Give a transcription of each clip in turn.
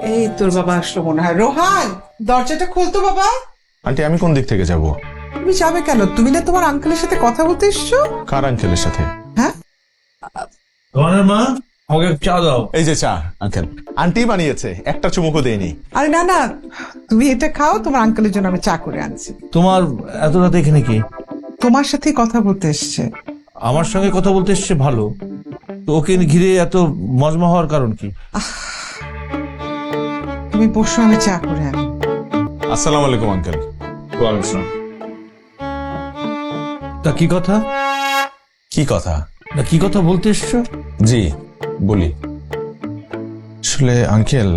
এই তোর বাবা আসলো মনে হয়। রোহান, দরজাটা খুলতো বাবা। আন্টি আমি কোন দিক থেকে যাব? তুমি যাবে কেন? তুমি না তোমার আঙ্কেলের সাথে কথা বলতে এসছো? কার আঙ্কেলের সাথে? হ্যাঁ, রোহানের মা, আমাকে চা দাও। এই যে চা আঙ্কেল, আন্টি বানিয়েছে, একটা চুমুকও দেয়নি। আরে না না, তুমি এটা খাও, তোমার আঙ্কেলের জন্য আমি চা করে আনছি। তোমার এত রাতে এখানে কি? তোমার সাথেই কথা বলতে এসছে। আমার সঙ্গে কথা বলতে এসছে ভালো, তো ওকে ঘিরে এত মজমা হওয়ার কারণ কি? তুমি বসো, আমি চা করে আনি। আসসালামু আলাইকুম আঙ্কেল। তা কি কথা? কি কথা? না কি কথা বলতে এসছো? জি বলি। আসলে আঙ্কেল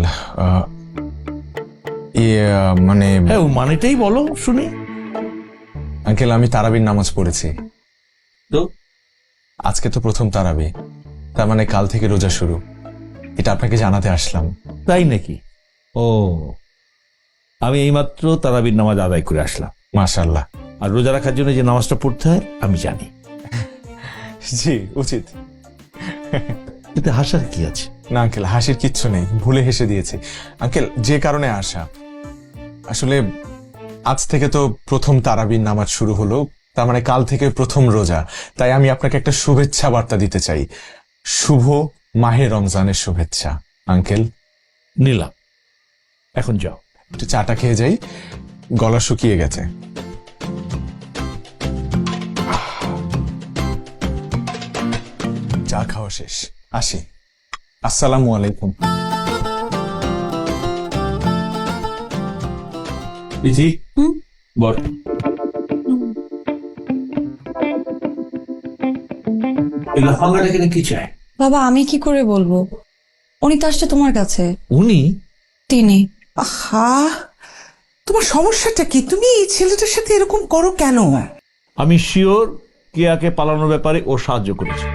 মানে হ্যাঁ, ও মানেটাই বলো শুনি। আঙ্কেল আমি তারাবির নামাজ পড়েছি। তো আজকে তো প্রথম তারাবি, তার মানে কাল থেকে রোজা শুরু। এটা আপনাকে জানাতে আসলাম। তাই নাকি? ও, আমি এইমাত্র তারাবির নামাজ আদায় করে আসলাম। মাশাআল্লাহ। আর রোজা রাখার জন্য যে নামাজটা পড়তে হয় আমি জানি। জি উচিত। এতে হাসার কি আছে? না আঙ্কেল, হাসির কিচ্ছু নেই, ভুলে হেসে দিয়েছি। আঙ্কেল যে কারণে আসা, আসলে আজ থেকে তো প্রথম তারাবির নামাজ শুরু হলো, তার মানে কাল থেকে প্রথম রোজা। তাই আমি আপনাকে একটা শুভেচ্ছা বার্তা দিতে চাই। শুভ মাহে রমজানের শুভেচ্ছা আঙ্কেল। নিলাম, এখন যাও। একটু চাটা খেয়ে যাই, গলা শুকিয়ে গেছে। চা খাওয়া শেষ, আসি। আসসালামু আলাইকুম। ইতি বল। কি চায়? বাবা আমি কি করে বলবো? উনি তো আসছে তোমার কাছে। উনি? তিনি। আহা, তোমার সমস্যাটা কি? তুমি এই ছেলেটার সাথে এরকম করো কেন? আমি শিওর কেয়াকে পালানোর ব্যাপারে ও সাহায্য করেছে।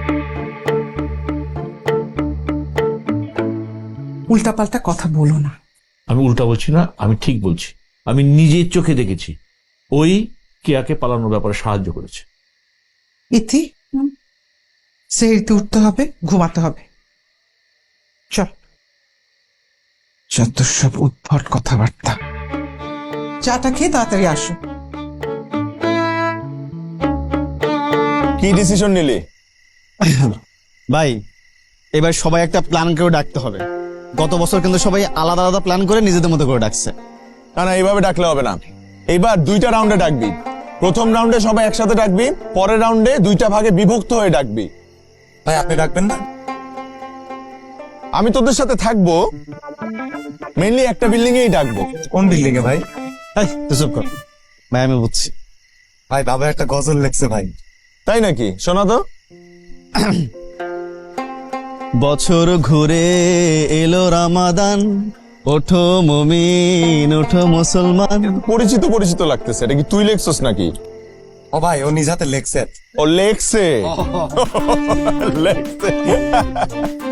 উল্টাপাল্টা কথা বলো না। আমি উল্টা বলছি না, আমি ঠিক বলছি। আমি নিজের চোখে দেখেছি ওই কেয়াকে পালানোর ব্যাপারে সাহায্য করেছে। ইতি, সেরিতে উঠতে হবে, ঘুমাতে হবে। চল, যত সব উদ্ভট কথাবার্তা। চাটা খেয়ে তাড়াতাড়ি আসো। কি ডিসিশন নিলি? ভাই এবার সবাই একটা প্ল্যান করে ডাকতে হবে। গত বছর কিন্তু সবাই আলাদা আলাদা প্ল্যান করে নিজেদের মতো করে ডাকছে। না না, এইভাবে ডাকলে হবে না। এইবার দুইটা রাউন্ডে ডাকবি। প্রথম রাউন্ডে সবাই একসাথে ডাকবি, পরের রাউন্ডে দুইটা ভাগে বিভক্ত হয়ে ডাকবি। ভাই আপনি ডাকবেন না? আমি তোদের সাথে থাকবো, মেইনলি একটা বিল্ডিং এই ডাকবো। কোন বিল্ডিং এ ভাই? এই তুই চুপ কর ভাই, আমি বুঝছি। ভাই বাবা একটা গজল লেখছে ভাই। তাই নাকি? শোনা তো। বছর ঘুরে এলো রামাদান, ওঠো মুমিন ওঠো মুসলমান। পরিচিত পরিচিত লাগতেছে, এটা কি তুই লেখছস নাকি? ও ভাই ও নিজ হাতে লেখছে। ও লেখছে। লেখছে।